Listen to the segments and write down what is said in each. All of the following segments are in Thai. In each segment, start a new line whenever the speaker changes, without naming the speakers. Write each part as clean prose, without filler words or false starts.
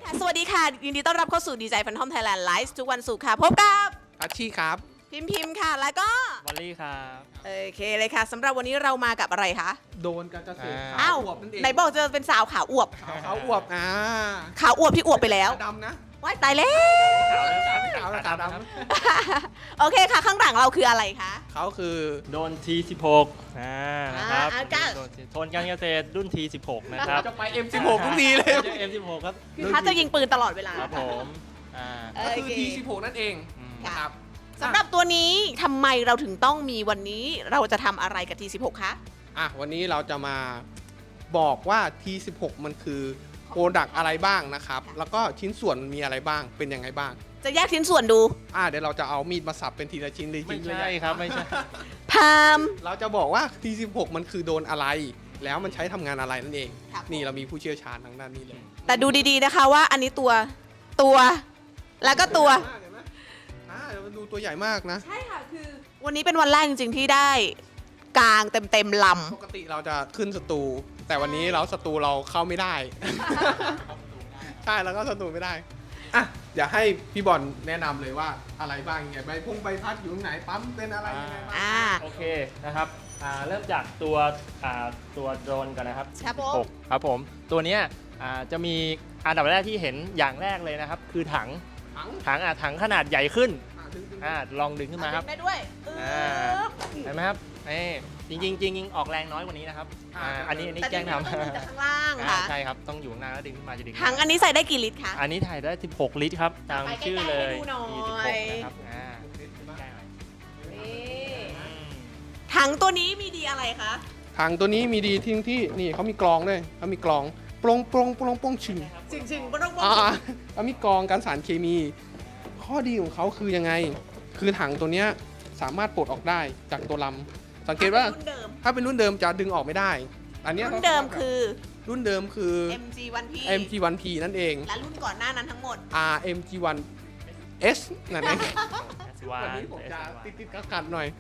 ค่ะสวัสดีค่ะยินดีต้อนรับเข้าสู่ดีใจแฟนทอมไทยแลนด์ไลฟ์ทุกวันศุกร์ค่ะพบกับ
อาชีครับ
พิมพ์ค่ะแล้วก็
วอลลี่ครับ
โอเคเลยค่ะสำหรับวันนี้เรามากับอะไรคะ
โดนการเกษตร
อ้าว
อวบนั่นเอง
ไหนบอกจะเป็นสาวขาวอวบ
ขาวอวบ
ขาวอวบที่อวบไปแล้ว
ดำนะ
ว้ายตายแล้ว
ขาวขาวด
โอเคค่ะข้างหลังเราคืออะไรคะ
ำเขาคือ
โดน T16 นะครับ โดนโทนการเกษตรรุ่น T16 นะครับ
จะไป M16 ทุกทีเลย
ไม่ใช่ M16 ครับ
คือถ้าจะยิงปืนตลอดเวลา
ครับผมอ่า
ก็คือ
โอเค
T16 นั่นเอง
อืม
นะครับ
สำหรับตัวนี้ทำไมเราถึงต้องมีวันนี้เราจะทำอะไรกับ T16 คะ
วันนี้เราจะมาบอกว่า T16 มันคือโปรดักอะไรบ้างนะครับ แล้วก็ชิ้นส่วนมันมีอะไรบ้างเป็นยังไงบ้าง
จะแยกชิ้นส่วนดู
เดี๋ยวเราจะเอามีดมาสับเป็นทีละชิ้นเลย
ไม่
เลย
ใช่ครับไม่ใช่
พาม
เราจะบอกว่า T16 มันคือโดนอะไร แล้วมันใช้ทำงานอะไรนั่นเอง
ครับ
นี่เรามีผู้เชี่ยวชาญทางด้านนี้เลย
แต่ดูดีๆนะคะว่าอันนี้ตัวแล้วก็ตัว
เห็นไหมเดี๋ยวมันดูตัวใหญ่มากนะ
ใช่ค่ะคือวันนี้เป็นวันแรกจริงๆที่ได้กลางเต็มล
ปกติเราจะขึ้นสตู แต่วันนี้เราสตูเราเข้าไม่ได้ ใช่แล้วก็สตูไม่ได้เดี๋ยวให้พี่บอลแนะนำเลยว่าอะไรบ้างไงใบใบพัดอยู่ตรงไหนปั๊มเป็นอะไรยังไงบ้าง
โอเคนะครับเริ่มจากตัวโดรนก่อนนะครับ
ครับผม
16ครับผมตัวเนี้ยจะมีอันดับแรกที่เห็นอย่างแรกเลยนะครับ คือถัง ถังขนาดใหญ่ขึ้นลองดึงขึ้นมาครับ
ได้ด้วย
เห็นไหมครับจริงออกแรงน้อยกว่านี้นะครับอันนี้
แต่
แกล้งท
ต้องมีจากข้างล่าง
ำ
ค่ะ
ใช่ครับต้องอยู่ข้างหน้าแล้วดึงขึ้นมาจะดึง
ถังอันนี้ใส่ได้กี่ลิตรคะ
อันนี้ถ่ายได้ 16 ลิตรครับตาม
ไปใกล้ๆ
ชื่อเลย
ให้ดูหน่อย
16นะครับใกล้หน่อย
ถังตัวนี้มีดีอะไรคะ
ถังตัวนี้มีดีที่นี่เขามีกรองด้วยเขามีกรองปรงชึง
จริงๆไม่ต้องบอก
เขามีกรองการสารเคมี ข้อดีของเขาคือยังไง คือถังตัวเนี้ยสามารถปลดออกได้จากตัวลำสังเกตว่า
รุ่นเดิม
ถ้าเป็นรุ่นเดิมจะดึงออกไม่ได้ อันเนี้ย
รุ่นเดิมคือ
รุ่นเดิมคือ
MG1P
MG1P นั่นเอง
และรุ่นก่อนหน้านั้นทั้งหมด
MG1S นั่นเอง
วา
วัน
น
นี้ผมจะติดกัดหน่อย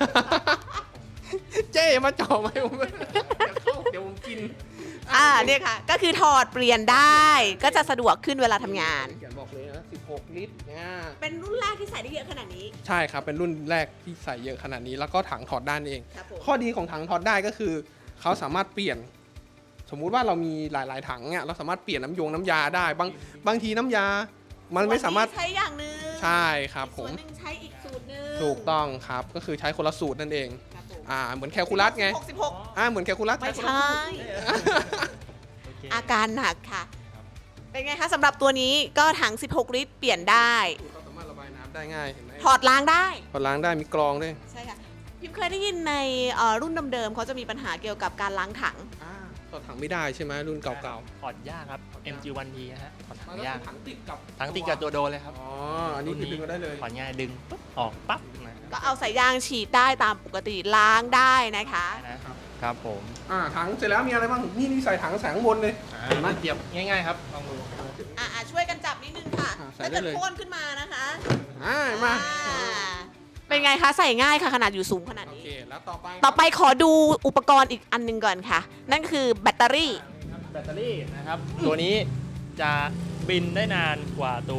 เจ๊มาจ่อไหมผมเดี๋ยวผมกิน
เนี่ยค่ะ ก็คือถอดเปลี่ยนได้ก็จะสะดวกขึ้นเวลาทำงาน
เขียนบอกเลยนะ16 ลิตร
เป็นรุ่นแรกที่ใส่ได้เยอะขนาดนี้
ใช่ครับ เป็นรุ่นแรกที่ใส่เยอะขนาดนี้ แล้วก็ถังถอดได้เอง
ครับผม
ข้อดีของถังถอดได้ก็คือ เขาสามารถเปลี่ยน สมมุติว่าเรามีหลาย ๆ ถังเนี่ยเราสามารถเปลี่ยนน้ำยาได้บางทีน้ำยา มันไม่สามารถ
ใช้อย่างหนึง
ใช่ครับผ
ส่วน
ม
หนึ่งใช้อีกสูตรหนึง
ถูกต้องครับ ก็คือใช้คนละสูตรนั่นเอง
ครับผม
เหมือนแคลคูลัสไง
16
เหมือนแคลคูลัส
ไม่
คนละ
ใช่
โอเค
อาการหนักค่ะ เป็นไงคะสำหรับตัวนี้ก็ถัง 16 ลิตรเปลี่ยนได้
เขาสามารถระบายน้ำได้ง่ายเห็นไหม
ถอดล้างได้
ถอดล้างได้มีกรองด้วย
ใช่ค่ะ พิมเคยได้ยินในรุ่นเดิมๆเขาจะมีปัญหาเกี่ยวกับการล้างถัง
ถอดถังไม่ได้ใช่ไหมรุ่นเก่า
ถอดยากครับ MG1P นะฮะถอด
ๆ
ถังยาก
ถังติดกับ
ถังติดกับตัวโดนเลยครับ
อันนี้คือดึงก็ได้เลย
ถอดง่ายดึงปุ๊บออกปั๊บนะ
ก็เอาสายยางฉีดได้ตามปกติล้างได้นะคะ
นะครับผม
ถังเสร็จแล้วมีอะไรบ้างนี่ใส่ถังใส่ข้างบนเลย
เห็นไหมเตรียมง่ายๆครับลองดู
ช่วยกันจับนิดนึงค่ะ
ใส่
ถ้า
ได้
เกิด
เลย
โค่นขึ้นมานะคะ
มา
เป็นไงคะใส่ง่ายค่ะขนาดอยู่สูงขนาด
โอ
นี้
เคแล้วต่อไป
ต่อไปขอดูอุปกรณ์อีกอันหนึงก่อนค่ะ นั่นคือแบตเตอรี่
แบตเตอรี่นะครับ ตัวนี้จะบินได้นานกว่าตัว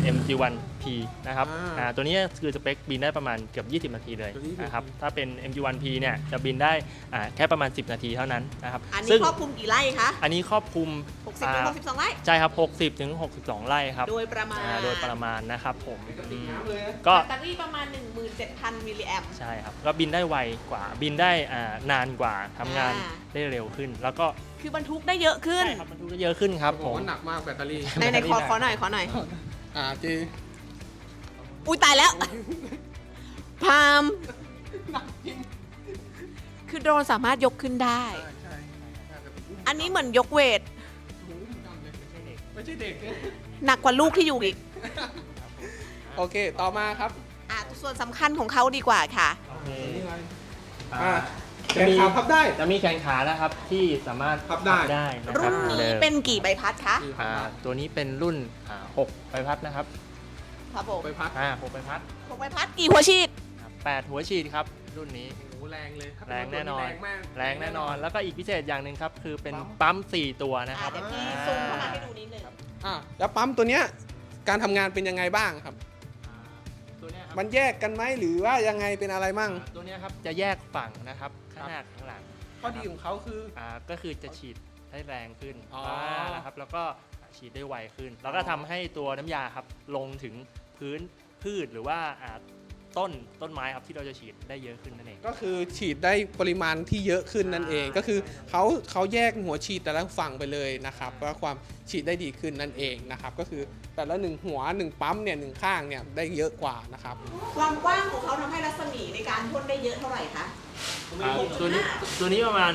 MG1P นะครับตัวนี้คือสเปคบินได้ประมาณเกือบ20 นาทีเลยนะครับถ้าเป็น MG1P เนี่ยจะบินได้แค่ประมาณ10 นาทีเท่านั้นนะครับ
อันนี้
ซึ่ง
ครอบคลุมกี่ไร่คะ
อันนี้ครอบคลุม
60ถึง62ไร่
ใช่ครับ 60 ถึง 62 ไร่ครับ
โดยประมาณ
โดยประมาณนะครับผม
ติดน้ำเลยนะ
ก็
แบตเตอรี่ประมาณ 17,000 มิลลิแอมป์
ใช่ครับก็บินได้ไวกว่าบินได้นานกว่าทำงานได้เร็วขึ้น แล้วก็
คือบรรทุกได้เยอะขึ้น
ใช่ครับมันทุกได้เยอะขึ้นครับ
บ
ผ
อก
ม
ว่าหนักมากแบตเตอรี่
ในขอหน่อยขอหน่อย
เจ
อุ้ยตายแล้ว พาม
หนักจริง
คือโดรนสามารถยกขึ้นได้
ใช่
อันนี้เหมือนยกเวท
ไม่ใช่เด็ก
หนักกว่าลูกที่อยู่อีก
โอเคต่อมาครับ
ส่วนสำคัญของเขาดีกว่าค่ะ
โอเค
นี่อะไร
อ่า
แขนขาพับได้
จะมีแขนขานะครับที่สามารถ
พับได้
นะค
รุ่
รับ
น
เดิ
นี้
ม
เป็นกี่ใบพัดคะ
ตัวนี้เป็นรุ่น6ใบพัดนะครับ
ครับผม
ไปพัก
6ใบพัด
6ใบพัดกี่หัวฉีด
8หัวฉีดครับรุ่นนี้
โอ้โหแรงเลย
แรงแน่นอน
แรงมาก
แรงแน่นอนแล้วก็อีกพิเศษอย่างหนึ่งครับคือเป็นปั๊ม4ตัวนะครับ
เดี๋ยวพี่ซูมเข้ามาให้ดูนิดนึง
แล้วปั๊มตัวเนี้ยการทำงานเป็นยังไงบ้างครับ
ตัวเนี้ยครับ
มันแยกกันไหมหรือว่ายังไงเป็นอะไรมั่ง
ตัวเนี้ยครับจะแยกฝั่งนะครับข้างหน้าข้างหลัง
ข้อดีของเขาคือ
ก็คือจะฉีดได้แรงขึ้น
อ๋อ
นะครับแล้วก็ฉีดได้ไวขึ้น แล้วก็ทำให้ตัวน้ำยาครับลงถึงพื้นพืชหรือว่าต้นไม้ครับที่เราจะฉีดได้เยอะขึ้นนั่นเอง
ก็คือฉีดได้ปริมาณที่เยอะขึ้นนั่นเอง ก็คือเขาแยกหัวฉีดแต่ละฝั่งไปเลยนะครับเพื่อความฉีดได้ดีขึ้นนั่นเองนะครับก็คือแต่ละ1หัว1ปั๊มเนี่ย1ข้างเนี่ยได้เยอะกว่านะครับ
ความกว้างของเขาทำให้รัศมีในการพ่นได้เยอะเท่าไหร่คะ
ตัวนี้ประมาณ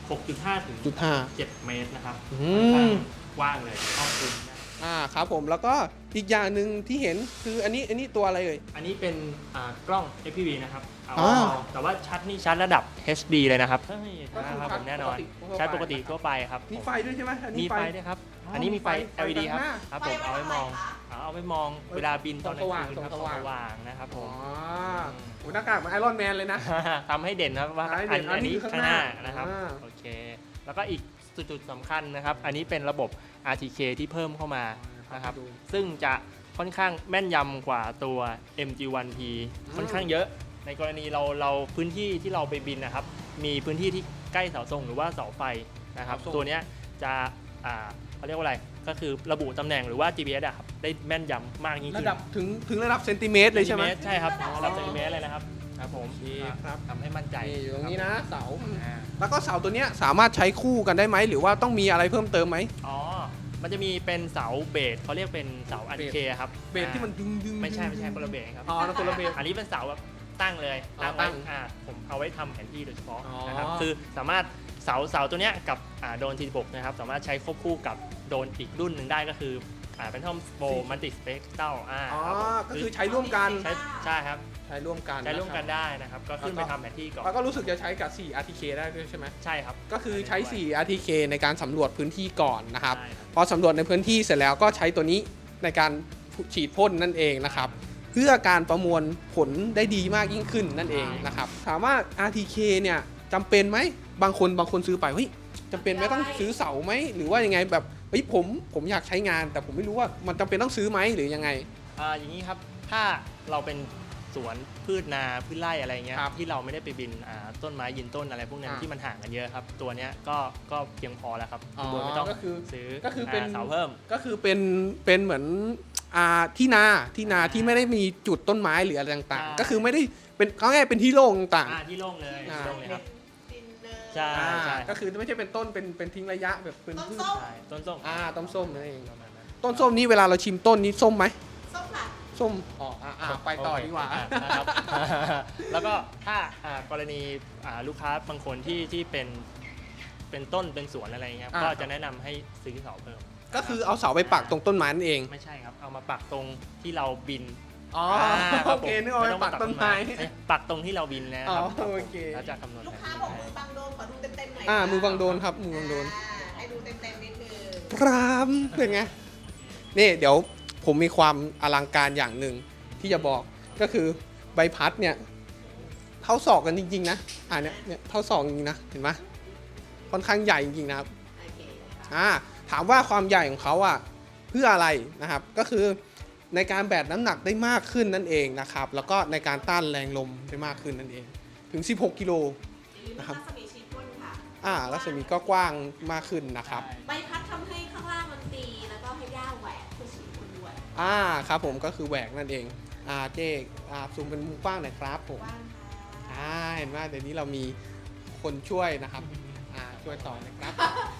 6.5 ถึง
7.5
7 เมตรนะครับ
อื
ค่อนข้าง
ม
กว้างเลยครอบคลุม
ครับผมแล้วก็อีกอย่างหนึ่งที่เห็นคืออันนี้ตัวอะไรเอ่ย
อันนี้เป็นกล้อง FPV นะครับ
อ๋อ
แต่ว่าชัดนี่ชัดระดับ HD เลยนะครับใช่
ก็คือ
นะครับผมแน่นอน
ชั
ชั
ด
ด
ป
ป
ก
ก
ติ
ติทั่วไปครับ
มีไฟด้วยใช่ไหมอัน
มี
นี้
ไฟด้วยครับ อันนี้มีไฟ LED ครับครับผมเอาไว้มองเอาไว้มองเวลาบินตอนกลางคืนครับ
ส
ส
ว่าง
ว่างนะครับผ
อ๋อ
ม
โหหน้ากากเหมือนไอรอนแมนเลยนะ
ทำให้เด่นครับว่า
ให้เด่นอั
อั
น
น
นี้
นี้
คือ
ข้าง
ข้าง
ห
ห
น้า
น้า
นะครับ
อ่า
โอเค แล้วก็อีกจุดสำคัญนะครับ อันนี้เป็นระบบ RTK ที่เพิ่มเข้ามานะครับ
ดู
ซึ่งจะค่อนข้างแม่นยำกว่าตัว MG1P ค่อนข้างเยอะ ในกรณีเราพื้นที่ที่เราไปบินนะครับ มีพื้นที่ที่ใกล้เสาธงหรือว่าเสาไฟนะครับ
เสาธง
ตัวเนี้ยจะเขาเรียกว่าอะไร ก็คือระบุตำแหน่งหรือว่า GPS อะครับ ได้แม่นยำมากยิ่ง
ระ
ขึ้น
ดับถึงระดับเซนติเมตรเลยใช่ไหม
ใช่ครับระดับเซนติเมตรเลยนะครับ ครับผม
โอเคครับ
ทำให้มั่นใจ
นี่อยู่ตรงนี้นะเสา
อ่า
แล้วก็เสาตัวเนี้ยสามารถใช้คู่กันได้ไหมหรือว่าต้องมีอะไรเพิ่มเติมไหม
อ๋อ มันจะมีเป็นเสาเบสเขาเรียกเป็นเสาอันเคครับ
เบสที่มันดึง
ไม่ใช่คนละเบสครับ
อ๋อแล้วคนละเบส
อันนี้เป็นเสาแบบตั้งเลย
อ๋อ
ตั้งไว้
ตั้ง
ผมเอาไว้ทำแผนที่โดยเฉพาะ
อ๋อ
นะครับคือสามารถเสาตัวเนี้ยกับโดรน T16 นะครับสามารถใช้ควบคู่กับโดรนอีกรุ่นหนึ่งได้ก็คือเป็นทอมโบมันติสเปกเต้า
อ๋อ
ครับผม
ก็คือใช้ร่วมกัน
ใช่ครับ
ใช้ร่วมกัน
ใช้ร่วมกัน
นะค
ได้นะครับก็ขึ้นไปทำแผนที่ก่อ
รับ
น
แล้วก็รู้สึกจะใช้กับ4 RTK ได้ด้วยใช่ไหม
ใช่ครับ
ก็คือใช้4 RTK ในการสำรวจพื้นที่ก่อนนะครับ
ใช่ครับ
พอสำรวจในพื้นที่เสร็จแล้วก็ใช้ตัวนี้ในการฉีดพ่นนั่นเองนะครับ เพื่อการประมวลผลได้ดีมากยิ่งขึ้นนั่นเองนะครับ ถามว่า RTK เนี่ยจำเป็นไหมบางคนซื้อไปเฮ้ยจำเป็นไหมต้องซื้อเสาไหมหรือว่ายังไงแบบเฮ้ยผมอยากใช้งาน แต่ผมไม่รู้ว่ามันจำเป็นต้องซื้อไหมหรือยังไง
อย่างนี้ครับ ถ้าเราเป็นสวนพืชนาพืชไร่อะไรเงี้ย
ครับ
ที่เราไม่ได้ไปบินต้นไม้ยืนต้นอะไรพวกนั้น
อ่า
ที่มันห่างกันเยอะครับ ตัวเนี้ยก็เพียงพอแล้วครับ
อ๋อ
โดยไม่ต้อง
ก็คือ
ซื้อ
ก็คือเป็น
เสาเพิ่ม
ก็คือเป็นเหมือนที่นาที่ไม่ได้มีจุดต้นไม้หรืออะไรต่าง
อ่า
ๆ ก็คือไม่ได้เป็นเขาง่ายๆเป็นที่โล่งต่างๆ
ที่โล่งเลย
อ่า
ที่โล่งเลยครับ
ดินเนอร์
ใช่
ก็คือไม่ใช่เป็นต้นเป็นทิ้งระยะแบบเป็น
ต้น
พืช
ส้ม
ใช่ต้นส้ม
ต้นส้มนั่นเอง
ประมาณนั้น
ต้นส้มนี้เวลาเราชิมต้นนี้ส้มไหม
ส้มค่ะ
ส้มอ๋อไปต่อดีกว่า
โเคนะครับ แล้วก็ถ้ากรณีลูกค้าบางคนที่เป็นต้นเป็นสวนอะไรเงี้ย
อ่า
ก็จะแนะนำให้ซื้อเสาเพิ่ม
ก็คือเอาเสาไปปักตรงต้นไม้นั่นเอง
ไม่ใช่ครับ เอามาปักตรงที่เราบิน
อ๋อ
ครับ
โอเคนึกเอาไปปักต้นไม้
ปักตรงที่เราบินนะครั
อ๋อ
ครับ
โอเค
แล้วจะคำนวณ
ลูก
แผน
ค้า
ที่
บอกมือบังโดนขอดูเต็มๆหน่อย
มือบังโดนครับมือบังโดน
ให้ดูเต็มๆนิดนึง
พรามเป็นไงนี่เดี๋ยวผมมีความอลังการอย่างหนึ่งที่จะบอกก็คือใบพัดเนี่ยเท่าศอกกันจริงๆนะเนี่ยเท่าศอกจริงๆนะเห็นไหมค่อนข้างใหญ่จริงๆนะครับ
โอเค
ถามว่าความใหญ่ของเขาเพื่ออะไรนะครับก็คือในการแบกน้ำหนักได้มากขึ้นนั่นเองนะครับแล้วก็ในการต้านแรงลมได้มากขึ้นนั่นเองถึง 16 กิโล นะครับ
รัศมีชีพพ่นค่ะ
รัศมีก็กว้างมากขึ้นนะครับ
ใบพัดทำให้ข้างล่างมันตีแล้วก็ให้หญ้าแหวกคือชีพพ่นด้วย
ครับผมก็คือแหวกนั่นเองเจ๊ซูมเป็นมุมกว้างหน่อยครับผม
ว่างค่ะ
เห็นว่าเดี๋ยวนี้เรามีคนช่วยนะครับช่วยต่อนะครับ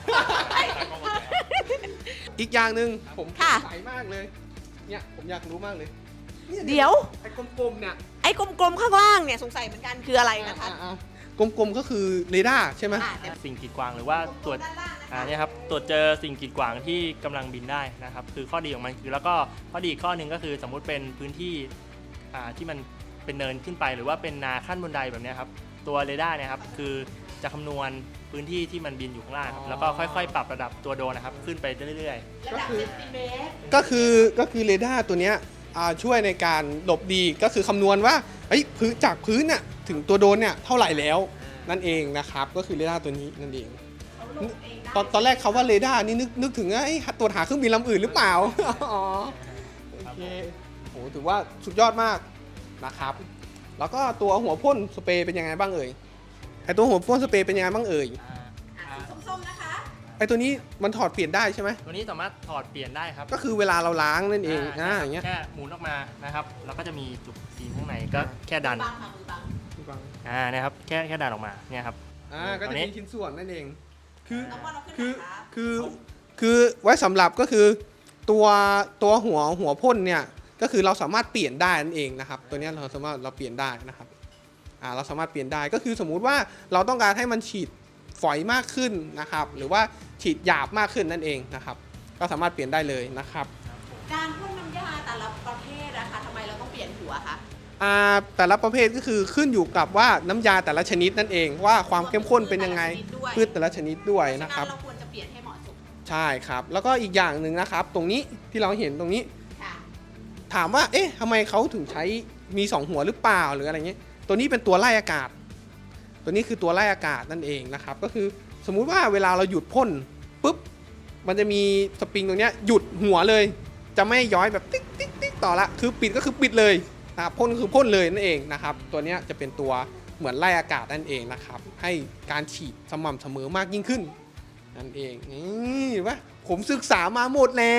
อีกอย่างหนึ่งผมสงสัยมากเลยเนี่ยผมอยากรู้มากเลยนี่
เดี๋ยว
ไอ้กลมๆเนี่ย
ไอ้กลมๆข้างล่างเนี่ยสงสัยเหมือนกันคืออะไรนะคะ
กลมๆก็คือเรดาร์ใช่ไหม
เดี๋ยว
สิ่งกีดขวางหรือว่าตรวจ
ด้านล่างนะคะ
เนี่ยครับตรวจเจอสิ่งกีดขวางที่กำลังบินได้นะครับคือข้อดีของมันคือแล้วก็ข้อดีอีกข้อหนึ่งก็คือสมมุติเป็นพื้นที่ที่มันเป็นเนินขึ้นไป หรือว่าเป็นนาขั้นบนไดแบบเนี้ยครับตัวเรดาร์เนี่ยครับคือจะคำนวณพื้นที่ที่มันบินอยู่ข้างล่างครับแล้วก็ค่อยๆ ปรับระดับตัวโดรนนะครับขึ้นไปเรื่อย
ระดับเซนติเมตร
ก็คือเรดาร์ตัวเนี้ยช่วยในการหลบดีก็คือคำนวณว่าจากพื้นเนี่ยถึงตัวโดรนเนี่ยเท่าไหร่แล้วนั่นเองนะครับก็คือเรดาร์ตัวนี้นั่นเอง
เพราะลงเองได้
ตอนแรกเขาว่าเรดาร์นี่นึกถึงไอ้ตรวจหาเครื่องบินลำอื่นหรือเปล่า อ๋อโอเคโหถือว่าสุดยอดมากนะครับ แล้วก็ตัวหัวพ่นสเปรย์เป็นยังไงบ้างเอ่ยไอตัวหัวพ่นสเปรย์เป็นยังไงบ้างเอ่ย
สีส้มๆนะคะ
ไอตัวนี้มันถอดเปลี่ยนได้ใช่ไหม
ตัวนี้สามารถถอดเปลี่ยนได้ครับ
ก็คือเวลาเราล้างนั่นเองอย่างเงี้ย
แค่หมุนออกมานะครับแล้วก็จะมีจุกซีนข้างในก็แค่ดัน
มือบังค่ะมือบัง
นะครับแค่ดันออกมาเนี่ยครับ
ก็จะ
อันนี้
มีชิ้นส่วนนั่นเอง คือ
น้องบอลเราขึ้น
คือ
ไหนคะ
คือไว้สำหรับก็คือตัวหัวพ่นเนี่ยก็คือเราสามารถเปลี่ยนได้นั่นเองนะครับ ตัวเนี้ยเราสามารถเปลี่ยนได้นะครับเราสามารถเปลี่ยนได้ก็คือสมมุติว่าเราต้องการให้มันฉีดฝอยมากขึ้นนะครับ หรือว่าฉีดหยาบมากขึ้นนั่นเองนะครับ ก็สามารถเปลี่ยนได้เลยนะครับ
การพ่นน้ำยาแต่ละประเภทนะคะทำไมเราต้องเปลี่ยนหัวคะ
แต่ละประเภทก็คือขึ้นอยู่กับว่าน้ำยาแต่ละชนิดนั่นเองว่าความเข้มข้นเป็นยังไงพืชแต่ละชนิดด้วยนะครับ
เราควรจะเปลี่ยนให้เหมาะสม
ใช่ครับแล้วก็อีกอย่างหนึ่งนะครับ ตรงนี้ที่เราเห็นตรงนี้
ค่ะ
ถามว่าเอ๊ะทำไมเขาถึงใช้มี2หัวหรือเปล่าหรืออะไรเงี้ยตัวนี้เป็นตัวไล่อากาศ ตัวนี้คือตัวไล่อากาศนั่นเองนะครับก็คือสมมุติว่าเวลาเราหยุดพ่นปุ๊บมันจะมีสปริงตรงเนี้ยหยุดหัวเลย จะไม่ย้อยแบบติ๊กติ๊กติ๊กต่อละคือปิดก็คือปิดเลยนะครับพ่นคือพ่นเลยนั่นเองนะครับตัวเนี้ยจะเป็นตัวเหมือนไล่อากาศนั่นเองนะครับให้การฉีดสม่ำเสมอมากยิ่งขึ้นนั่นเองนี่วะผมศึกษามาหมดแล้ว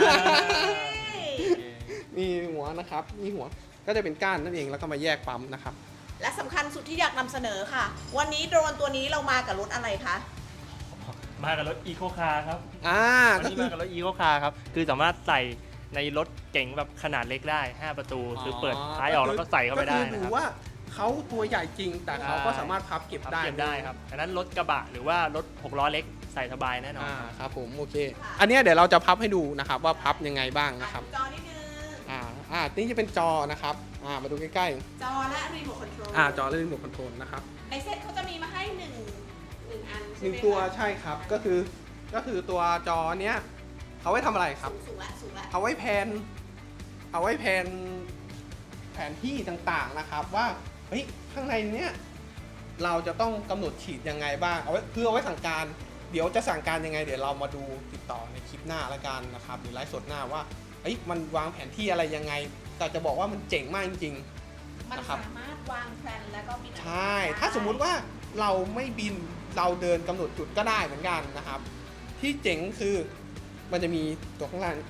มีหัวนะครับมีหัวก็จะเป็นก้านนั่นเองแล้วก็มาแยกปั๊มนะครับ
และสำคัญสุดที่อยากนำเสนอค่ะ วันนี้โดรนตัวนี้เรามากับรถอะไรคะ
มากับรถอีโคคาร์ครับ วัน
ก็
นี้
คือ
มากับรถอีโคคาร์ครับคือสามารถใส่ในรถเก๋งแบบขนาดเล็กได้ 5 ประตูคือเปิดท้ายออกแล้วก็ใส่เข้าไปได้
ก็คือ
นะ
ดู
ครับ
ว่าเขาตัวใหญ่จริง แต่เขาก็สามารถพับเก็บได้
เก็บได้ครับอันนั้นรถกระบะหรือว่ารถ6ล้อเล็กใส่สบายแน่นอนครับ
ครับผมโอเค อันเนี้ยเดี๋ยวเราจะพับให้ดูนะครับว่าพับยังไงบ้างนะครับ
จอนิดนึง
นี่จะเป็นจอนะครับมาดูใกล้
จอและรีโมทคอนโทรล
ๆจอและรีโมทคอนโทรลนะครับ
ในเซ็ตเขาจะมีมาให้หนึ่งอัน
ห
ใช่
นึ่
ไห
ง
ม
ตัว
คะ
ใช่ครับก็คือตัวจอเนี้ยเขาไว้ทำอะไรครับ
สูงละสูงละ
เอาไว้แผนแผนที่ต่างๆนะครับว่าเฮ้ยข้างในเนี้ยเราจะต้องกำหนดฉีดยังไงบ้างเอาไว้เพื่อเอาไว้สั่งการเดี๋ยวจะสั่งการยังไงเดี๋ยวเรามาดูติดต่อในคลิปหน้าละกันนะครับหรือไลฟ์สดหน้าว่าเฮ้ยมันวางแผนที่อะไรยังไงแต่จะบอกว่ามันเจ๋งมากจริง
มัน
นะครับ
สามารถวางแผนแล้วก็บิน
ๆใช่ถ้าสมมุติว่าเราไม่บินเราเดินกำหนดจุดก็ได้เหมือนกันนะครับ ที่เจ๋งคือมันจะมีตัวข้างล่าง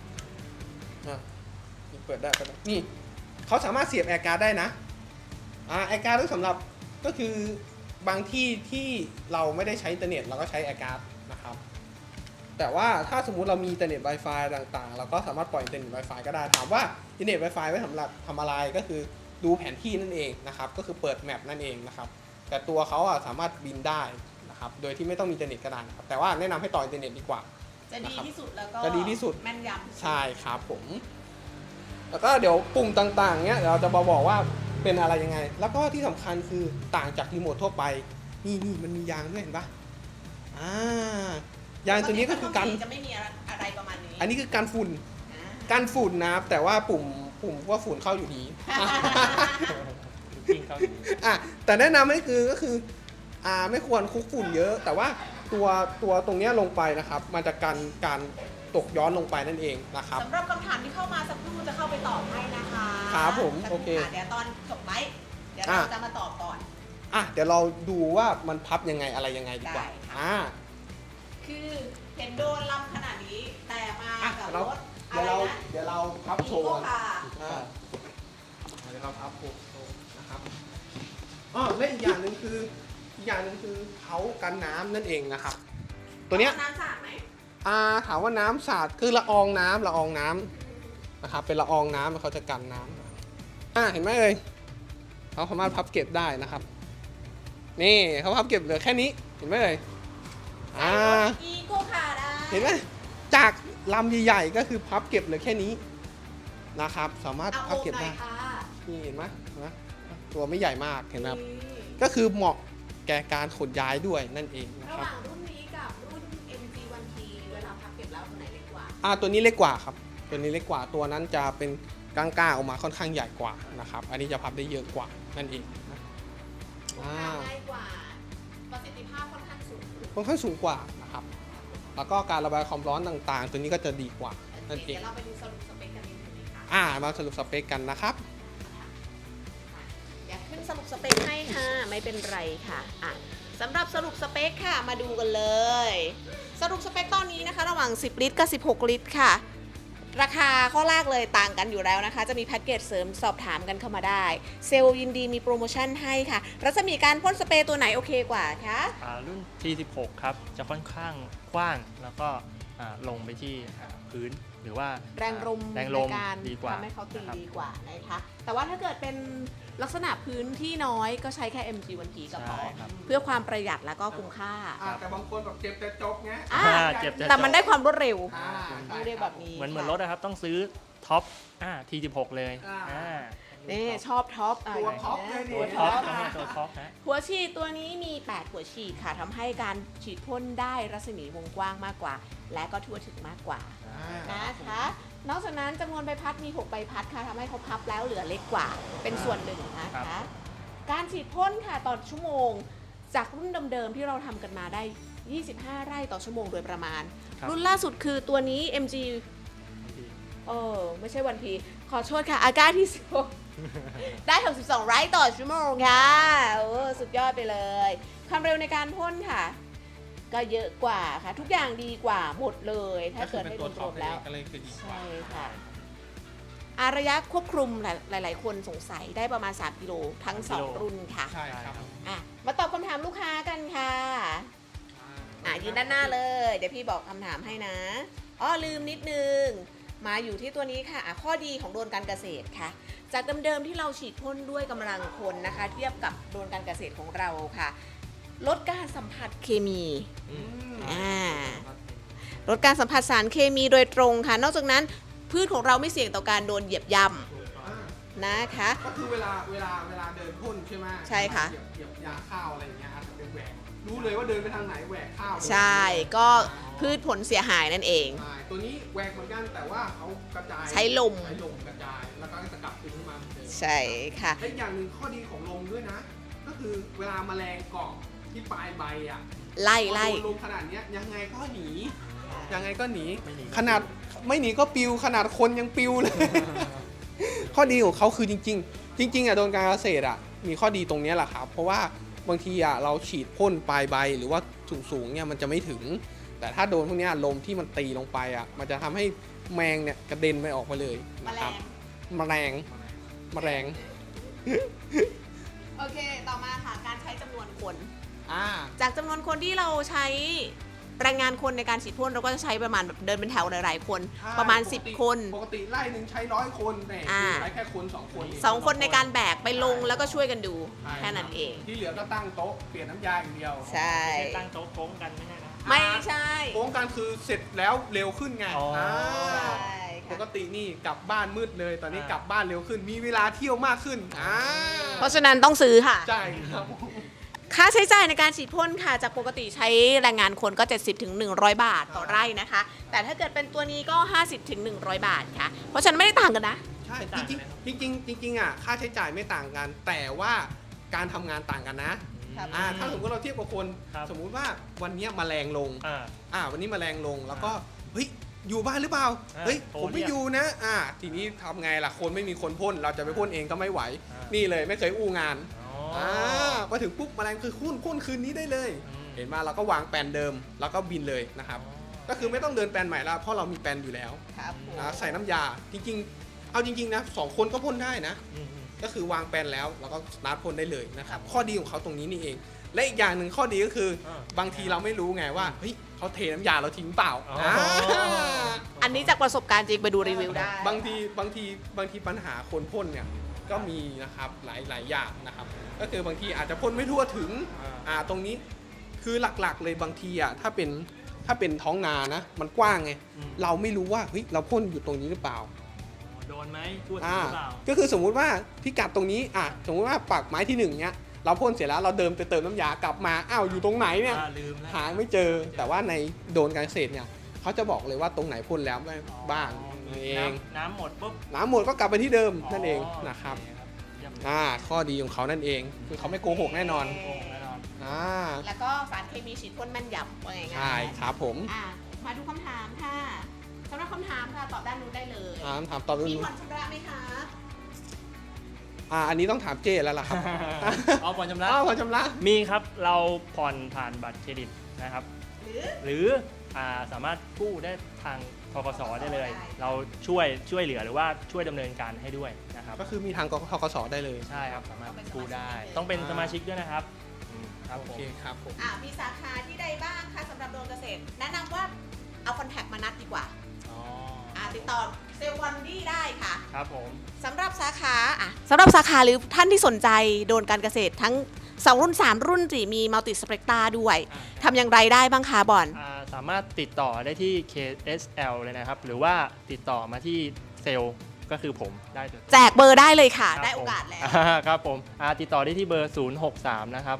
นี่เปิดได้นี่เขาสามารถเสียบแอร์การ์ดได้นะแอร์การ์ดสำหรับก็คือบางที่ที่เราไม่ได้ใช้อินเทอร์เน็ตเราก็ใช้แอร์การ์ดนะครับแต่ว่าถ้าสมมุติเรามีอินเทอร์เน็ต Wi-Fi ต่างๆ เราก็สามารถปล่อยอินเทอร์เน็ต Wi-Fi ก็ได้ถามว่าอินเทอร์เน็ต Wi-Fi ไว้สำหรับทำอะไรก็คือดูแผนที่นั่นเองนะครับก็คือเปิดแมปนั่นเองนะครับแต่ตัวเขาสามารถบินได้นะครับโดยที่ไม่ต้องมีอินเทอร์เน็ตก็ได้นะครับแต่ว่าแนะนำให้ต่ออินเทอร์เน็ตดีกว่า
จะดีที่สุดแล้วก็
จะดีที่สุด
แม่นยำ
ใช่ครับผม แล้วก็เดี๋ยวปุ่มต่างๆเนี้ยเดี๋ยวเราจะมาบอกว่าเป็นอะไรยังไง แล้วก็ที่สำคัญคือต่างจากรีโมททั่วไป นี่มันมียางด้วยเห็นปะยางตัวนี้ก็คือกัน
จะไม่มีอะไรประมาณนี้
อันนี้คือกันฝุ่น
อ่า
กันฝุ่นนะครับแต่ว่าปุ่มว่าฝุ่นเข้าอยู่ดี
จริงครับ
แต่แนะนำให้ก็คือไม่ควรคลุกฝุ่นเยอะ แต่ว่าตัวตรงเนี้ยลงไปนะครับมันจะกันการตกย้อนลงไปนั่นเองนะครับ
สำหรับคำถามที่เข้ามาสักครู่จะเข้าไปตอบให้นะคะ
ครับผม
สัก
โอเค
เดี๋ยวตอนจบไลฟ์เดี๋ยวเราจะมาตอบก่อน
เดี๋ยวเราดูว่ามันพับยังไงอะไรยังไงดีกว่า
ได้ค่ะ คือเห็นโดนลำขนาดนี้แต่มากับรถอะไรนะ
เดี๋ยวเราพับโช
อี
ว์
โค
กัน
คาร์
เดี๋ยวเราพับโชว์นะครับและอีกอย่างหนึ่งคือเขากันน้ำนั่นเองนะครับ ตัวเนี้ย
น้ำสาดไหม
ถามว่าน้ำสาดคือละอองน้ำนะครับเป็นละอองน้ำเขาจะกันน้ำเห็นไหมเอ่ยเขาสามารถพับเก็บได้นะครับ นี่เขาพับเก็บเหลือแค่นี้เห็นไหมเอ่ย
อีโคคาร์ได้
เห็นไหมจากลำใหญ่ๆก็คือพับเก็บเหลือแค่นี้นะครับ สามารถ
เอา
พับ
โอบ
เก็บ
หน่
ได้
อยค่ะ
นี่เห็นไหมตัวไม่ใหญ่มากเห็นไหมครับ
นี่
ก็คือเหมาะแก่การขนย้ายด้วยนั่นเองนะ
ระ
ค
ห
รับ
ว่างรุ่นนี้กับรุ่น MG1T เวลาพับเก็บแล้วตัวไหนเล็กกว่า
ตัวนี้เล็กกว่าครับตัวนี้เล็กกว่าตัวนั้นจะเป็นก้างๆออกมาค่อนข้างใหญ่กว่านะครับ อันนี้จะพับได้เยอะกว่านั่นเองนะ
ง่ายกว่า ประสิทธิภาพค่อนข้างสูง
ค่อนข้างสูงกว่านะครับแล้วก็การระบายความร้อนต่างๆ ตัวนี้ก็จะดีกว่านั่นเอ
เดี๋
ง
ยวเราไปดูสรุปสเปคกันนิดนึงนะคะ
มาสรุปสเปคกันนะครับ
อยากขึ้นสรุปสเปคให้ค่ะ ไม่เป็นไรค่ะอ่ะสำหรับสรุปสเปคค่ะมาดูกันเลย สรุปสเปคตอนนี้นะคะ ระหว่าง 10 ลิตรกับ 16 ลิตรค่ะ ราคาข้อแรกเลยต่างกันอยู่แล้วนะคะ จะมีแพ็กเกจเสริมสอบถามกันเข้ามาได้ เซลล์ยินดีมีโปรโมชั่นให้ค่ะรัศมีการพ่นสเปรย์ตัวไหนโอเคกว่าคะ
รุ่น T16 ครับจะค่อนข้างกว้างแล้วก็ลงไปที่พื้นหรือว่า
แรงลม
แรงลม
ในการ
ดีกว่า
ทำให้เขาตี
นะครับ
ดีกว่านะคะแต่ว่าถ้าเกิดเป็นลักษณะพื้นที่น้อยก็ใช้แค่ MG1P ก็พอ
ใช่ครับ
เพื่อความประหยัดแล้วก็คุ้มค่า
แต่บางคนแบบเจ็บแต่จบไง
อ่ะ
เจ็บแต่
แต่มันได้ความรวดเร็ว
ใช่
ต้องเรียกแบบนี้
เหมือน
ค่ะ
รถนะครับต้องซื้อท็อปT16 เลย
นี่ชอบท็อป
ตัวท็อปเลยดิ
ตัวท็อปตัวท็อปนะ
หัวฉีดตัวนี้มี 8 หัวฉีดค่ะทำให้การฉีดพ่นได้รัศมีวงกว้างมากกว่า และก็ทั่วถึงมากกว่านะคะนอกจากนั้นจำนวนใบพัดมี 6 ใบพัดค่ะทำให้เขาพับแล้วเหลือเล็กกว่าเป็นส่วนหนึ่งนะคะการฉีดพ่นค่ะต่อชั่วโมง จากรุ่นเดิมๆที่เราทำกันมาได้ 25 ไร่ต่อชั่วโมงโดยประมาณ
ครับ
รุ่นล่าสุดคือตัวนี้ MG ไม่ใช่วันพีขอโทษค่ะอาก้าที่16 ได้62 ไร่ต่อชั่วโมงค่ะสุดยอดไปเลยความเร็วในการพ่นค่ะ ก็เยอะกว่าค่ะ ทุกอย่างดีกว่าหมดเลย ถ้าเกิดให้
ตัว
ร
ท็อ
ว
ป
มๆแล้ว
ก็เลยคือดีกว่า
ใช่ค่ะระยะควบคุมหลายๆ คนสงสัยได้ประมาณ 3 กิโลทั้ง
3 กิโล
2 รุ่นค่ะ
ใช่ครับ
มาตอบคำถามลูกค้ากันค่ะยืนด้านหน้าเลย เดี๋ยวพี่บอกคำถามให้นะลืมนิดนึง มาอยู่ที่ตัวนี้ค่ะข้อดีของโดรนการเกษตรค่ะ จากเดิมๆที่เราฉีดพ่นด้วยกำลังคนนะคะ เทียบกับโดรนการเกษตรของเราค่ะ ลดการสัมผัสเคมีลดการสัมผัสสารเคมีโดยตรงค่ะ นอกจากนั้นพืชของเราไม่เสี่ยงต่อการโดนเหยียบย่ำนะคะ
ก็คือเวลาเดินพ่นใช่ไหม
ใช่ค่ะ
เหยียบยาข้าวอะไรอย่างเงี้ยอาจจะเป็นแหวกรู้เลยว่าเดินไปทางไหนแหวกข้าวเลย
ใช่ก็พืชผลเสียหายนั่นเอง
ใช่ตัวนี้แหวกเหมือนกันแต่ว่าเขากระจาย
ใช้ลม
กระจายแล้วก็จะกลับคืนขึ้นมาเหมือนเดิม
ใช่ค่ะ
และอีกอย่างหนึ่งข้อดีของลมด้วยนะ ก็คือเวลาแมลงเกาะที่ปลายใบอ่ะ
ไล่
พอโดนลมขนาดเนี้ยยังไงก็หนียังไงก็หนี
ไม่หนี
ขนาดไม่หนีก็ปิวขนาดคนยังปิวเลย ข้อดีของเขาคือจริงๆอ่ะโดนการเกษตรอ่ะมีข้อดีตรงเนี้ยแหละครับเพราะว่าบางทีอ่ะเราฉีดพ่นปลายใบหรือว่าสูงๆเนี่ยมันจะไม่ถึง แต่ถ้าโดนพวกเนี้ยลมที่มันตีลงไปอ่ะมันจะทำให้แมงเนี่ยกระเด็นไปออกมาเลย
แม
นะ
ล
ครับ
ง
แมลง
โอเค ต่อมาค่ะ การใช้จำนวนคน
อ่า
จากจำนวนคนที่เราใช้แรงงานคนในการฉีดพ่นเราก็จะใช้ประมาณแบบเดินเป็นแถวหลายๆคน ประมาณ 10 คน
ปกติไล่หนึ่งใช้100 คนแต่ใช้แค่คน2 คน
2 คนในการแบกไปลงแล้วก็ช่วยกันดู
ใช่
แค่นั้นเอง
ที่เหลือก็ตั้งโต๊ะเปลี่ยนน้ำยาอย่างเดียว
ใช่
ไม่ใช่ตั้งโต๊ะโค้งกันไม่ใช่นะ
ไม่ใช่
โค้งกันคือเสร็จแล้วเร็วขึ้นไง
อ๋ออ่
า
ใช่
ป
ค่ะ
กตินี่กลับบ้านมืดเลย ตอนนี้กลับบ้านเร็วขึ้น มีเวลาเที่ยวมากขึ้น
เพราะฉะนั้นต้องซื้อค่ะ
ใช่ครับ
ค่าใช้จ่ายในการฉีดพ่นค่ะ จากปกติใช้แรงงานคนก็ 70 ถึง 100 บาทต่อไร่นะคะ แต่ถ้าเกิดเป็นตัวนี้ก็ 50 ถึง 100 บาทค่ะ เพราะฉะนั้นไม่ได้ต่างกันนะ
ใช่
ไม่ต่างเลย
จริงๆอ่ะค่าใช้จ่ายไม่ต่างกัน แต่ว่าการทำงานต่างกันนะครับ ถ้าสมมติเราเทียบกับคน
ครับ
สมมุติว่าวันเนี้ยแมลงลง
อ่า
วันนี้แมลงลงแล้วก็เฮ้ยอยู่บ้านหรือเปล่า
อ่า
เฮ้ย
โทร
ผมไม่
เรียก
อยู่นะทีนี้ทำไงล่ะคนไม่มีคนพ่นเราจะไปพ่นเองก็ไม่ไหว
อ่า
นี่เลยไม่เคยอู้งาน
อ๋อ
มาถึงปุ๊บแมลงคือพ่นคืนนี้ได้เลย เห็นมาเราก็วางแปลนเดิมแล้วก็บินเลยนะครับ ก็คือไม่ต้องเดินแปลนใหม่แล้วเพราะเรามีแปลนอยู่แล้ว
ครับผม
ใส่น้ำยาจริงๆ เอาจริงๆนะ2 คนก็พ่นได้นะ ก็คือวางแปลนแล้วเราก็สตาร์ทพ่นได้เลยนะครับข้อดีของเขาตรงนี้นี่เอง และอีกอย่างหนึ่งข้อดีก็คือ บางทีเราไม่รู้ไงว่าเฮ้ยเขาเทน้ำยาเราทิ้งเปล่า
อ๋ออ่
อันนี้จากประสบการณ์จริงไปดูรีวิวได้
บางทีปัญหาคนพ่นเนี่ยก็มีนะครับหลายอย่างนะครับ ก็คือบางทีอาจจะพ่นไม่ทั่วถึงตรงนี้คือหลักๆเลยบางทีถ้าเป็นท้องนานะมันกว้างไงเราไม่รู้ว่าเฮ้ยเราพ่นอยู่ตรงนี้หรือเปล่า
โดนไหมทั่วถึงหรือเปล่า
ก็คือสมมุติว่าพิกัดตรงนี้สมมุติว่าปักไม้ที่1เนี้ยเราพ่นเสร็จแล้วเราเดินไปเติมน้ำยากลับมาอ้าวอยู่ตรงไหนเนี่ย
ลืมแล้ว
หาไม่เจอแต่ว่าในโดนการเกษตรเนี่ยเขาจะบอกเลยว่าตรงไหนพ่นแล้วบ้างนั่นเอง
น้ำหมดปุ๊บ
น้ำหมดก็กลับไปที่เดิมนั่นเองนะครับ
โอเคเยี่ยมเลย
ข้อดีของเขานั่นเองคือเขาไม่โกหกแน่นอน
โอ้แน่นอน
แล้วก็สารเคมีฉีดพ่นแม่นยำว่าไง
ใช่ครับผม
มาดูคำถามค่ะสำหรับคำถามค่ะตอบด้านนู้นได้เลย
ถามตอบดู
มีผ่อนชำระไหมคะ
อันนี้ต้องถามเจแล้วล่ะครับ
เอาผ่อนชำระ
ผ่อนชำระ
มีครับเราผ่อนผ่านบัตรเครดิตนะครับ หรือสามารถกู้ได้ทางธกสได้เลย เราช่วยเหลือหรือว่าช่วยดำเนินการให้ด้วยนะครับ
ก็คือมีทางธกสได้เลย
ใช่ครับสามารถกู้ได้ ต้องเป็นสมาชิกด้วยนะครับครับ
โอ
ผม
เคครับผม
มีสาขาที่ใดบ้างคะสำหรับโดนเกษตร แนะนำว่าเอาคอนแทคมานัดดีกว่า
อ๋อ
ติดต่อเซลล์วันดี้ได้ค่ะ
ครับผม
สำหรับสาขาหรือท่านที่สนใจโดนการเกษตรทั้ง2รุ่น3รุ่น4มีมัลติสเปกตาด้วยทำอย่างไรได้บ้างคะบอล
สามารถติดต่อได้ที่ KSL เลยนะครับ หรือว่าติดต่อมาที่เซลล์ก็คือผมได้เลย
แจกเบอร์ได้เลยค่ะ
ครับ
ได้โอกาสแล้ว
ครับผมติดต่อได้ที่เบอร์ 063 นะครับ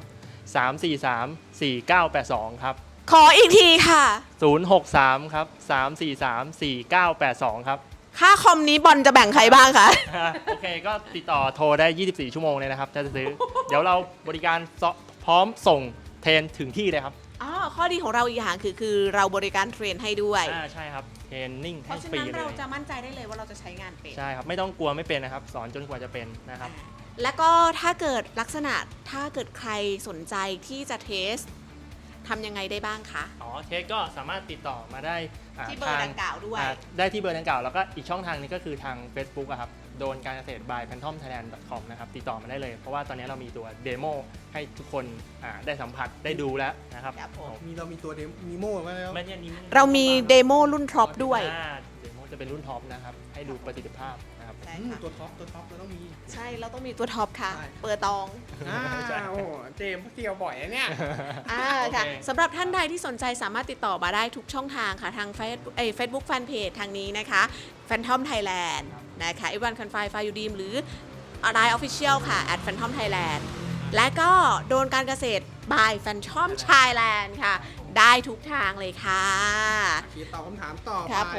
343 4982 ครับ
ขออีกทีค่ะ
063 ครับ 343 4982 ครับ
ค่าคอมนี้บอลจะแบ่งใครบ้างคะ
โอเคก็ติดต่อโทรได้ 24 ชั่วโมงเลยนะครับถ้าจะซื้อ เดี๋ยวเราบริการพร้อมส่งเทรนถึงที่เลยครับ
ข้อดีของเราอีกอย่างคือเราบริการเทรนให้ด้วย
ใช่ครับเทรนนิ่ง
เพ
ให้
ราะฉะ
ฟรี
นั้น
เล
เรา
ย
จะมั่นใจได้เลยว่าเราจะใช้งานเป็น
ใช่ครับไม่ต้องกลัวไม่เป็นนะครับ สอนจนกว่าจะเป็นนะครับ
แล้วก็ถ้าเกิดลักษณะถ้าเกิดใครสนใจที่จะเทสทำยังไงได้บ้างคะ
เทสก็สามารถติดต่อมาได้
ที่เบอร์ดังกล่าวด้วย
ได้ที่เบอร์ดังกล่าวแล้วก็อีกช่องทางนึงก็คือทาง Facebook อะครับโดนการเกษตร by phantomthailand.com นะครับติดต่อมาได้เลย เพราะว่าตอนนี้เรามีตัวเดโมให้ทุกคนได้สัมผัสได้ดูแล้วนะครับ
ครับผม
เรามีตัวนีโม่มาแล้ว
ไม่ใช่นี้
เรามีเดโมรุ่นท็อปด้วย
เดโมจะเป็นรุ่นท็อปนะครับให้ดูประสิทธิภาพนะครับ
ใช่ค่ะ
ตัวท็อปเราต้องมี
ใช่เราต้องมีตัวท็อปค่ะ
ใช่
เปิดตอง
โอ้เจมส์เกี่ยวบ่อยนะเนี่ย
ค่ะ
โอเค
สำหรับท่านใดที่สนใจสามารถติดต่อมาได้ทุกช่องทางค่ะ ทางเฟซบุ๊กแฟนเพจทางนี้นะคะ Phantom Thailand นะคะ Everyone Can Fly Fly You Dream หรือ Line Official ค่ะ @Phantom Thailand และก็โดนการเกษตร by Phantom Thailand ค่ะ ได้ทุกทางเลยค่ะ
ตอบคำถามต่อไป
ครับผม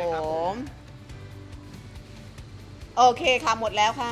โอเคค่ะ หมดแล้วค่ะ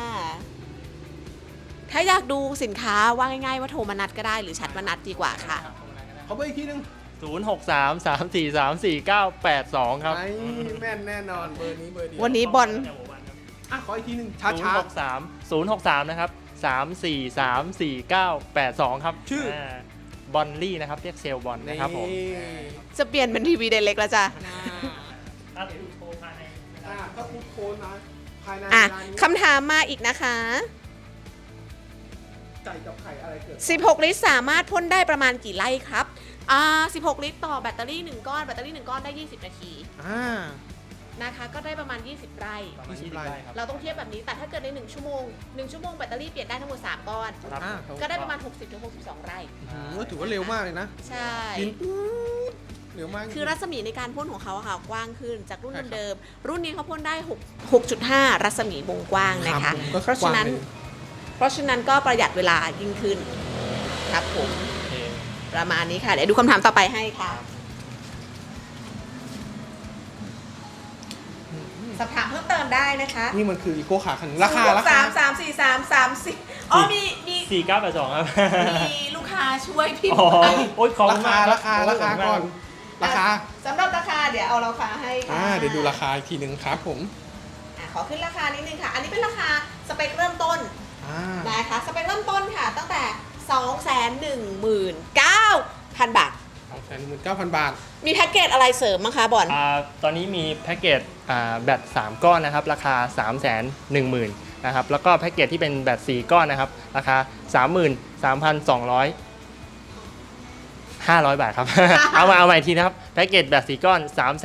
ถ้าอยากดูสินค้าว่าง่ายๆว่าโทรมานัดก็ได้หรือแชทมานัดดีกว่าค่ะ
เขาไปอีกทีนึง
063 343 4982 ครับ
ไอ้แม่นแน่นอนเบอร์นี้เบอร์เดียว
วันนี้บอล
ขออีกทีนึงช้า
063นะครับ 343 4982 ครับ
ชื่อ
บอลลี่นะครับเรียกเซลล์บอล
ๆ
นะครับผม
จะเปลี่ยนเป็นทีวีเดเล็กแล้วจ้ะ
ถ้าดูโทรภายใน
ถ้าพูดโค้ดนะภายใน
อ่ะ
ร้านนี้
คำถามมาอีกนะคะ
ไก่กับไข่อะไรเกิด
16 ลิตรสามารถพ่นได้ประมาณกี่ไร่ครับ16 ลิตรต่อแบตเตอรี่1ก้อนแบตเตอรี่1ก้อนได้ 20 นาทีนะคะ ก็ได้ประมาณ 20 ไร่
ประมาณ
20
20 ไร่ครับ
เราต้องเทียบแบบนี้ แต่ถ้าเกิดใน 1 ชั่วโมง 1 ชั่วโมงแบตเตอรี่เปลี่ยนได้ทั้งหมด 3 ก้อน
ครับ
ก็ได้ประมาณ 60-62 ไร่
ถือว่าเร็วมากเลยนะ
ใช่
กินปุ๊บเร็วมาก
คือรัศมีในการพ่นของเขาอะค่ะกว้างขึ้นจากรุ่น
ใช่ครับ
เดิมๆรุ่นนี้เขาพ่นได้ 6.5 รัศมีวงกว้างนะคะ
ผมก็
เพราะฉะนั้น
กว้างเลย
ก็ประหยัดเวลายิ่งขึ้นครับผม
โอเค
ประมาณนี้ค่ะ เดี๋ยวดูคำถามต่อไปให้ค่ะสอบถามเพิ่มเติมได้นะคะ
นี่มันคืออีโก้ขาขันราคา
3 อ๋อมี
4982 ครับ
มีลูกค้าช่วยพี่
อ๋อโอ๊ยขอบ
รา
คุณ
คาม
าก
ราคา
โย
ราคา
ขบณม
ก่อนราคา
สำหรับราคาเดี๋ยวเอาราคาให้ค่ะ
เดี๋ยวดูราคาอีกทีหนึ่งครับผม
ขอขึ้นราคานิดนึงค่ะ อันนี้เป็นราคาสเปคเริ่มต้น นะคะสเปคเริ่มต้นค่ะ ตั้งแต่ 219,000 บาท
219,000 บาท
มีแพ็กเกจอะไรเสริมมั้งคะบอล
ตอนนี้มีแพ็กเกจแบต3 ก้อนนะครับ ราคา 310,000 นะครับ แล้วก็แพ็กเกจที่เป็นแบต4 ก้อนนะครับ ราคา 33,200 500 บาทครับ เอาใหม่อีกทีนะครับ แพ็กเกจแบต4 ก้อน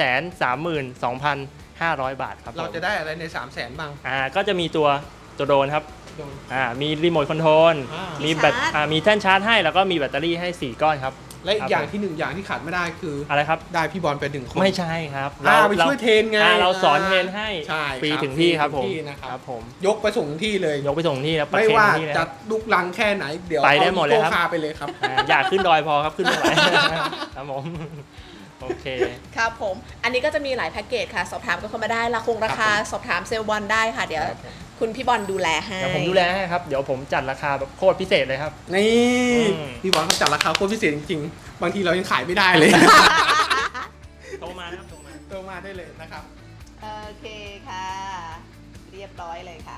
332,500 บาทครับ
เราจะได้อะไรใน 300,000 บ้าง
ก็จะมีตัวโดรนครับ
โดน
มีรีโมทคอนโทรล มีแบตมีแท่นชาร์จให้ แล้วก็มีแบตเตอรี่ให้ 4 ก้อนครับ
และอีกอย่างที่หนึ่งอย่างที่ขาดไม่ได้คือ
อะไรครับ
ได้พี่บอลไป1 คน
ไม่ใช่ครับ
ไปช่วยเทรนไง
เราสอนเทรนให้
ใช่
ฟรี
ครับ
ถึงที่ครับ
ฟรี
ผม
ถึงที่นะครับ
ครับผม
ยกไปส่งถึงที่เลย
ยกไปส่งที่แล้ว
ไม่ว่า
ที่เลย
จะลุกลังแค่ไหนเดี๋ยว
ไปได้หมดเลยครับ
อาอีโก้คาร์ไปเลยครับ
อยากขึ้นดอยพอครับขึ้นไม่ไหว ครับผมโอเค
ครับผม อันนี้ก็จะมีหลายแพ็กเกจค่ะ สอบถามกันเข้ามาได้ราคาสอบถามเซลล์บอลได้ค่ะ เดี๋ยว
ครับผม
คุณพี่บอลดูแลให้
เดี๋ยวผมดูแลให้ครับ เดี๋ยวผมจัดราคาแบบโคตรพิเศษเลยครับ
นี่
อืม
พี่บอลเขาจัดราคาโคตรพิเศษจริงๆ บางทีเรายังขายไม่ได้เลย
โทรมานะครับโทรมา
โทรมาได้เลยนะครับ
โอเคค่ะ เรียบร้อยเลยค่ะ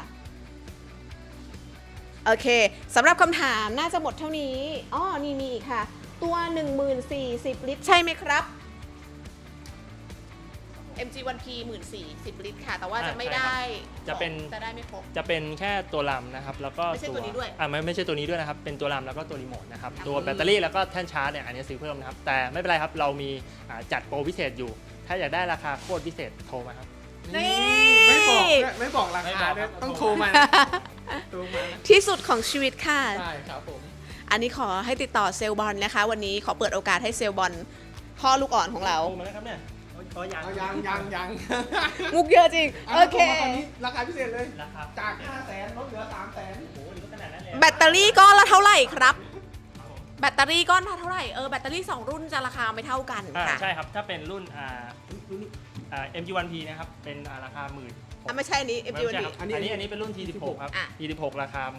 โอเคสำหรับคำถามน่าจะหมดเท่านี้อ๋อนี่มีอีกค่ะ ตัว 10,040 ลิตร ใช่ไหมครับ MG1P 14,010 ลิตรค่ะ แต่ว่าจะไม่ได้
จะเป็น
จะได้ไม่ครบ
จะเป็นแค่ตัวลำนะครับ แล้วก็
ไม่ใช่ตัวนี้ด้วย
ไม่ใช่ตัวนี้ด้วยนะครับ เป็นตัวลำแล้วก็ตัวรีโมทนะครับ
ครับ
ตัวแบตเตอรี่แล้วก็แท่นชาร์จเนี่ยอันนี้ซื้อเพิ่มนะครับ แต่ไม่เป็นไรครับ เรามีจัดโปรพิเศษอยู่ ถ้าอยากได้ราคาโคตรพิเศษโทรมาครับ
นี่
ไม่บอกรา
ไม่
คา
บอก
ด้วย
ครับ
ต้องโทรมาโทรมานะ
ที่สุดของชีวิตค่ะ
ใช่ครับผม
อันนี้ขอให้ติดต่อเซลล์บอลนะคะ วันนี้ขอเปิดโอกาสให้เซลล์บอลพ่อลูกอ่อนของเรา
โทรมาแล้วครับเนี่ยก็ยัง
เอายัง
มุกเยอะจริง โอเค
ตอนนี้ราคาพิเศษเลย
ราคา
จาก 500,000ลดเหลือ 300,000
โอ้โหนี่ก็ขนาดนั้นเลย
แบตเตอรี่ก้อนละเท่าไหร่ครับ แบตเตอรี่ก้อนละเท่าไหร่ แบตเตอรี่ 2 รุ่นจะราคาไม่เท่ากันค่ะ
ใช่ครับ ถ้าเป็นรุ่นMG1P นะครับ เป็นราคาหมื่น
ไม่ใช่อันนี้
ไม่
MG1P
ใช่ครับอันนี้เป็นรุ่น T16 ครับ
อ่ะ
T16 ราคา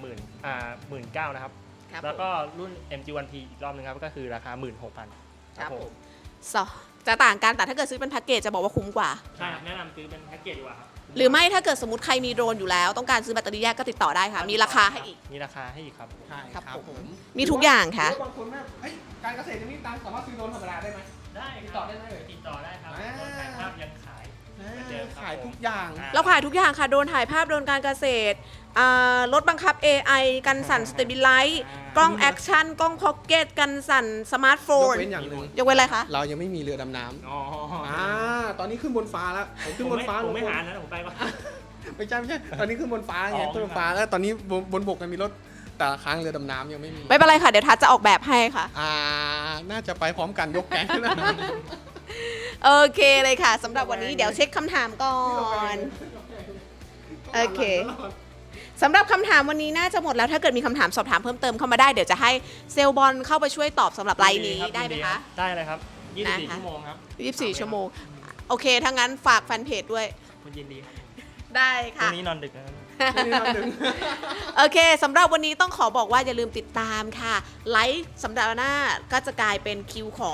19,000นะครับ
ครับ
แล้วก็รุ่น MG1P อีกรอบนึงครับก็คือราคา 16,000
ครับผมจะต่างกันแต่ถ้าเกิดซื้อเป็นแพ็กเกจจะบอกว่าคุ้มกว่า
ใช่ครับแนะนำซื้อเป็นแพ็กเกจดีกว่าครับ
หรือไม่ถ้าเกิดสมมติใครมีโดรนอยู่แล้ว ต้องการซื้อแบตเตอรี่แยกก็ติดต่อได้ค่ะ มีราคาให้อีก
มีราคาให้อีกครับ
ใช่
ครับ
ครับผม
มีทุกอย่างค่ะ
หรือบางคนแบบเอ้ยการเกษตรยังไม่มีตังค์สามารถซื้อโดรนธรรมดาได้ไหม
ได้
ติดต่อได้ไหมเอ่ย
ติดต่อได้ครับ
อ่า
โดนถ่ายภาพยังขาย เหมือนเดิมครับ
ขายทุกอย่าง
เราขายทุกอย่างค่ะ โดรนถ่ายภาพ โดรนการเกษตรรถบังคับ AI กันสั่นสเตบิลไลซ์กล้องแอคชั่น กล้องพ็อกเก็ต กันสั่นสมาร์ทโฟ
ยก
น
เว้นอย่างหนึ่ง
ยกเว้นอะไรคะ
เรายังไม่มีเรือดำน้
อ๋อ
ำตอนนี้ขึ้นบนฟ้าแล้วผมขึ้นบนฟ้า
ผมไม่
ทุกคน
หานะผมไปก่อน
ไม่ใช่ตอนนี้ขึ้นบนฟ้าไง
อ๋อ
ขึ้นบนฟ้าแล้วตอนนี้บนบกมันมีรถแต่ละครั้งเรือดำน้ำยังไม่มี
ไม่เป็นไรค่ะ เดี๋ยวทัศน์จะออกแบบให้ค่ะ
น่าจะไปพร้อมกันยกแก๊งนะ
โอเคเลยค่ะสำหรับวันนี้เดี๋ยวเช็คคำถามก่อน โอเค สำหรับคำถามวันนี้น่าจะหมดแล้วถ้าเกิดมีคำถามสอบถามเพิ่มเติมเข้ามาได้เดี๋ยวจะให้เซลลบอลเข้าไปช่วยตอบสำหรับไลน์นี้
ครับ
ได้ไหมคะ
ได้เลยครับ
นะคะ
24 ชั่วโมงครับ
24 ชั่วโมง โอเคถ้างั้นฝากแฟนเพจด้วย
คุณยินดีครับ
ได้
วั
ค่ะ
นนี้นอนดึกนะครับ
โอเคสำหรับวันนี้ต้องขอบอกว่าอย่าลืมติดตามค่ะ ไลฟ์สัปดาห์หน้าก็จะกลายเป็นคิวของ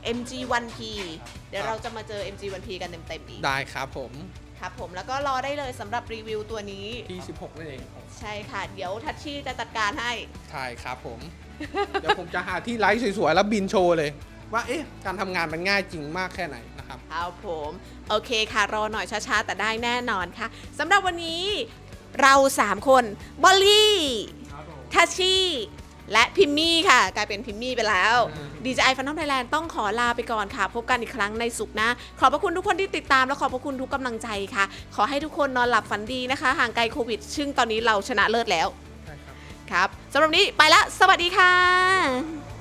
MG1P เดี๋ยวเราจะมาเจอ MG1P กันเต็มๆอีก
ได้ครับผม
ครับผมแล้วก็รอได้เลยสำหรับรีวิวตัวนี้
ที่ 16นั่นเอง
ใช่ค่ะ เดี๋ยวทัชชี่จะจัดการให้
ใช่ครับผม เดี๋ยวผมจะหาที่ไลฟ์สวยๆ แล้วบินโชว์เลย ว่าเอ๊ะการทำงานมันง่ายจริงมากแค่ไหนนะครับ
ครับผม โอเคค่ะ รอหน่อยช้าๆ แต่ได้แน่นอนค่ะสำหรับวันนี้เรา 3 คนบอลลี่ทัชชี่และพิมมี่ค่ะ กลายเป็นพิมมี่ไปแล้ว DJI Phantom Thailand ต้องขอลาไปก่อนค่ะ พบกันอีกครั้งในศุกร์หน้าขอบพระคุณทุกคนที่ติดตามและขอบพระคุณทุกกำลังใจค่ะ ขอให้ทุกคนนอนหลับฝันดีนะคะ ห่างไกลโควิด ซึ่งตอนนี้เราชนะเลิศแล้ว
ใช่ครับ
ครับสำหรับวันนี้ไปละสวัสดีค่ะ